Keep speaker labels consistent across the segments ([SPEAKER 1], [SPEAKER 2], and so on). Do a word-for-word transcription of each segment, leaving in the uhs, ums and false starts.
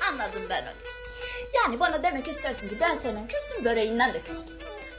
[SPEAKER 1] Anladım ben onu. Yani bana demek istersin ki ben senin küstüm böreğinden de küstüm.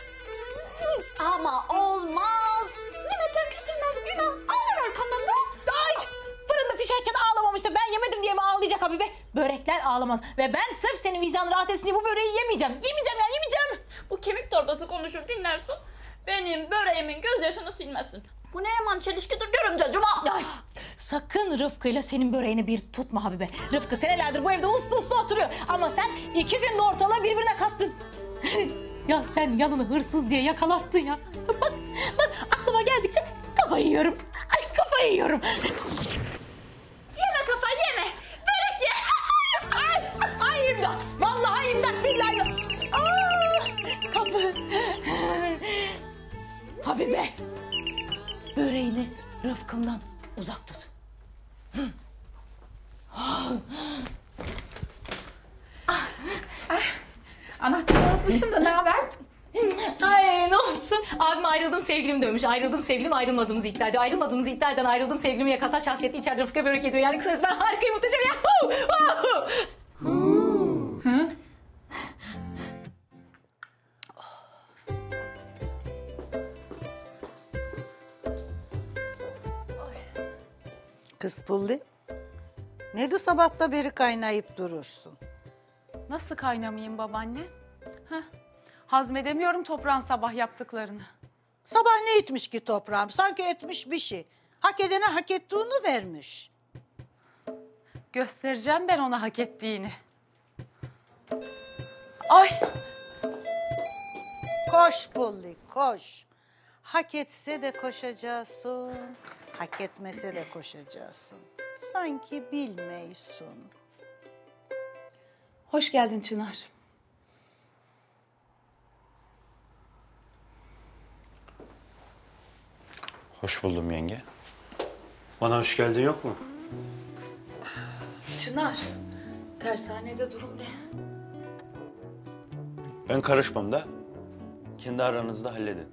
[SPEAKER 1] Ama olmaz. Yemekten küsülmez, günah. Ağlar arkamdan da.
[SPEAKER 2] Ay! Fırında pişerken ağlamamıştı. Ben yemedim diye mi ağlayacak Habibe? Börekler ağlamaz. Ve ben sırf senin vicdanın rahat etsin diye bu böreği yemeyeceğim. Yemeyeceğim ya, yemeyeceğim.
[SPEAKER 1] Bu kemik torbası konuşur dinlersin. Benim böreğimin gözyaşını silmezsin. Bu ne yaman çelişkidir görümce Cuma.
[SPEAKER 2] Ay, sakın Rıfkı'yla senin böreğini bir tutma Habibe. Rıfkı senelerdir bu evde uslu uslu oturuyor. Ama sen iki günde ortalığı birbirine kattın. Ya sen yalını hırsız diye yakalattın ya. Bak, bak aklıma geldikçe kafayı yiyorum. Ay kafayı yiyorum.
[SPEAKER 1] Yeme kafa yeme. Börek ye.
[SPEAKER 2] Ay, ay imdat. Vallahi imdat billahi imdat. Aa, kapı. Habibe. Böreğini Rıfkım'dan uzak tut.
[SPEAKER 1] Anahtarı unutmuşum da ne haber?
[SPEAKER 2] Ay ne olsun. Abim ayrıldım sevgilim dönmüş. Ayrıldım sevgilim ayrılmadığımızı iddia ediyor. Ayrılmadığımızı iddia eden ayrıldım sevgilimi yakatan şahsiyetli içeride Rıfkı'ya börek ediyor. Yani kısacası ben harikayım muhteşem ya. Hı?
[SPEAKER 3] Kız Pulli, ne de sabahta beri kaynayıp durursun?
[SPEAKER 4] Nasıl kaynamayayım babaanne? Heh. Hazmedemiyorum toprağın sabah yaptıklarını.
[SPEAKER 3] Sabah ne etmiş ki toprağım? Sanki etmiş bir şey. Hak edene hak ettiğini vermiş.
[SPEAKER 4] Göstereceğim ben ona hak ettiğini. Ay!
[SPEAKER 3] Koş Pulli, koş. Hak etse de koşacaksın, hak etmese de koşacaksın. Sanki bilmeysun.
[SPEAKER 4] Hoş geldin Çınar.
[SPEAKER 5] Hoş buldum yenge. Bana hoş geldin yok mu?
[SPEAKER 4] Çınar, tersanede durum ne?
[SPEAKER 5] Ben karışmam da. Kendi aranızda halledin.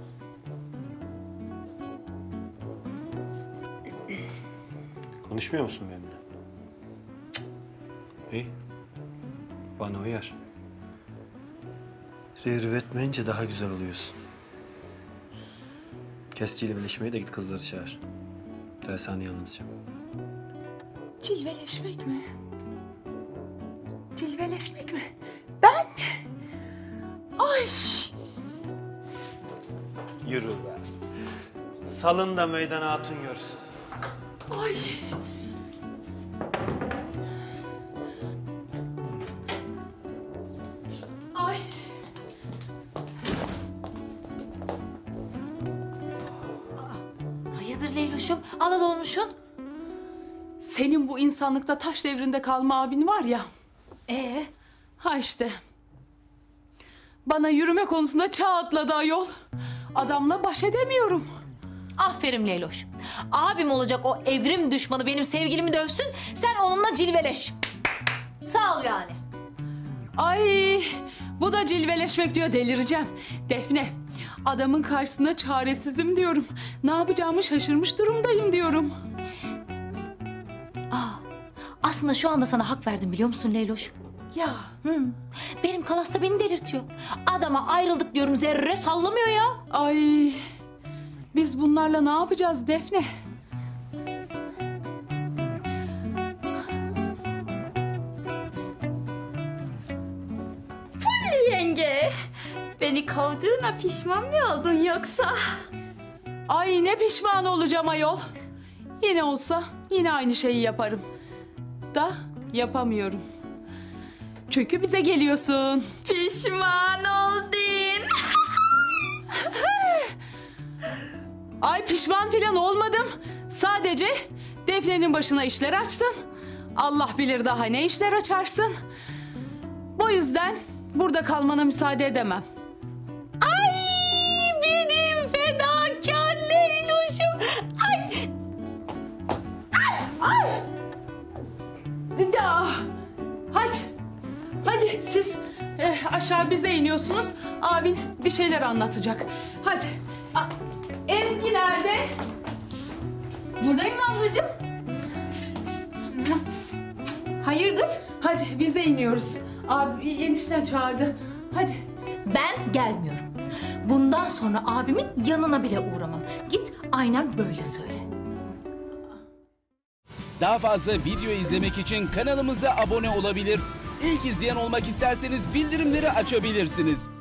[SPEAKER 5] Konuşmuyor musun benimle? Cık. İyi. Bana uyar. Revriv etmeyince daha güzel oluyorsun. Kes cilveleşmeye de git kızları çağır. Dershaneyi anlatacağım.
[SPEAKER 4] Cilveleşmek mi? Cilveleşmek mi? Ben mi? Ay!
[SPEAKER 5] Yürü be. Salın da meydana hatun görsün.
[SPEAKER 4] Ay! Ay!
[SPEAKER 2] Hayırdır Leyloş'um? Alal olmuşsun.
[SPEAKER 4] Senin bu insanlıkta taş devrinde kalma abin var ya.
[SPEAKER 2] Ee?
[SPEAKER 4] Ha işte. Bana yürüme konusunda çağ atladı ayol. Adamla baş edemiyorum.
[SPEAKER 2] Aferin Leyloş. Abim olacak o evrim düşmanı benim sevgilimi dövsün. Sen onunla cilveleş. Sağ ol yani.
[SPEAKER 4] Ay, bu da cilveleşmek diyor, delireceğim. Defne, adamın karşısında çaresizim diyorum. Ne yapacağımı şaşırmış durumdayım diyorum.
[SPEAKER 2] Aa, aslında şu anda sana hak verdim biliyor musun Leyloş?
[SPEAKER 4] Ya,
[SPEAKER 2] Hı. Benim kalas da beni delirtiyor. Adama ayrıldık diyorum zerre sallamıyor ya.
[SPEAKER 4] ay, biz bunlarla ne yapacağız Defne?
[SPEAKER 1] Yenge, beni kovduğuna pişman mı oldun yoksa?
[SPEAKER 4] Ay ne pişman olacağım ayol. Yine olsa yine aynı şeyi yaparım. Da yapamıyorum. Çünkü bize geliyorsun.
[SPEAKER 1] Pişman oldun.
[SPEAKER 4] Ay pişman falan olmadım. Sadece Defne'nin başına işler açtın. Allah bilir daha ne işler açarsın. Bu yüzden burada kalmana müsaade edemem.
[SPEAKER 1] Ay benim fedakar Leyloş'um. Ay.
[SPEAKER 4] Ya, hadi. Hadi siz eh, aşağı bize iniyorsunuz. Abin bir şeyler anlatacak. Hadi. A- Ezgi nerede?
[SPEAKER 1] Buradayım ablacığım.
[SPEAKER 4] Hadi. Hayırdır? Hadi biz de iniyoruz. Abi enişten çağırdı. Hadi.
[SPEAKER 2] Ben gelmiyorum. Bundan sonra abimin yanına bile uğramam. Git aynen böyle söyle.
[SPEAKER 6] Daha fazla video izlemek için kanalımıza abone olabilir. İlk izleyen olmak isterseniz bildirimleri açabilirsiniz.